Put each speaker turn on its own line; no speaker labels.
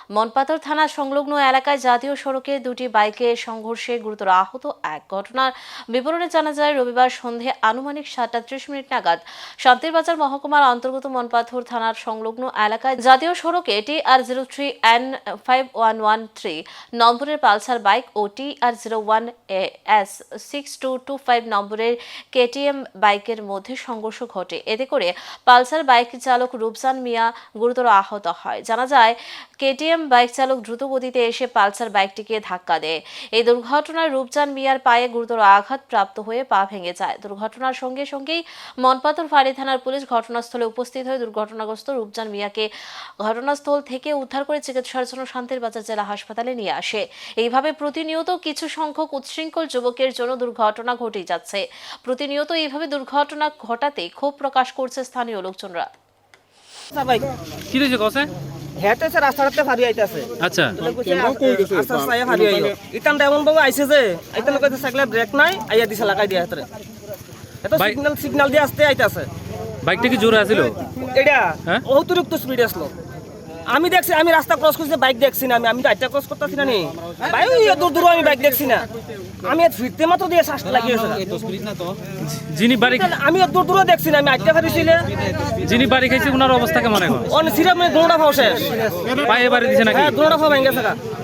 মনপাথর থানা সংলগ্ন এলাকায় জাতীয় সড়কে দুটি বাইকে সংঘর্ষে গুরুতর আহত এক। ঘটনার বিবরণে জানা যায়, রবিবার সন্ধে আনুমানিক 7:30 নাগাদ শান্তিরবাজার মহকুমার অন্তর্গত মনপাথর থানার সংলগ্ন এলাকায় জাতীয় সড়কে TR03N5113 নম্বরের পালসার বাইক ও TR01S6225 নম্বরের KTM বাইকের মধ্যে সংঘর্ষ ঘটে। এতে করে পালসার বাইক চালক রূপচান মিয়া গুরুতর আহত হয়। জানা যায়, KTM বাইক চালক দ্রুত গতিতে এসে পালসার বাইকটিকে ধাক্কা দেয়। এই দুর্ঘটনায় রূপচান মিয়ার পায়ে গুরুতর আঘাত প্রাপ্ত হয়ে পা ভেঙে যায়। দুর্ঘটনার সঙ্গে সঙ্গেই মনপাথর ফাঁড়ি থানার পুলিশ ঘটনাস্থলে উপস্থিত হয়ে দুর্ঘটনাগ্রস্ত রূপচান মিয়াকে ঘটনাস্থল থেকে উদ্ধার করে চিকিৎসার জন্য শান্তিরবাজার জেলা হাসপাতালে নিয়ে আসে। এইভাবে প্রতিনিয়ত কিছু সংখ্যক উচ্ছৃঙ্খল যুবকের জন্য দুর্ঘটনা ঘটেই যাচ্ছে। প্রতিনিয়ত এইভাবে দুর্ঘটনা ঘটাতে ক্ষোভ প্রকাশ করছে স্থানীয় লোকজনরা।
কি হয়েছে কসে?
হেঁটে রাস্তাতে ফারি আইতাছে।
আচ্ছা
আস্তে আস্তে ফারি আইলো ইতান এমন ভাবে আইছে যে ইতান কইতে সাইকেলের ব্রেক নাই আইয়া দিছে লাগাই দিয়া হাতরে এটা সিগন্যাল দিয়ে আসতে আইতাছে।
বাইকটা কি জোরে আছিল?
এটা
হ্যাঁ?
অতিরিক্ত স্পিড আসলো। আমি দেখছি, আমি রাস্তা ক্রস করছি, বাইক দেখছি না। আমি তো আইটা ক্রস করতেছি না নি ভাই, দূর দূর আমি বাইক দেখছি না। আমি ফিরতে মাত্র দিয়ে শ্বাস লাগিয়েছে।
যিনি বাড়ি
আমি দূর দূর দেখছি না, আমি আইটা ফারিছিলে।
যিনি বাড়ি খাইছে ওনার অবস্থা কেমন এখন?
অন সিরাপ মানে গোড়া ফাও শেষ,
পায়ে বাড়ি দিছে নাকি?
হ্যাঁ গোড়া ফাও ভেঙে গেছে।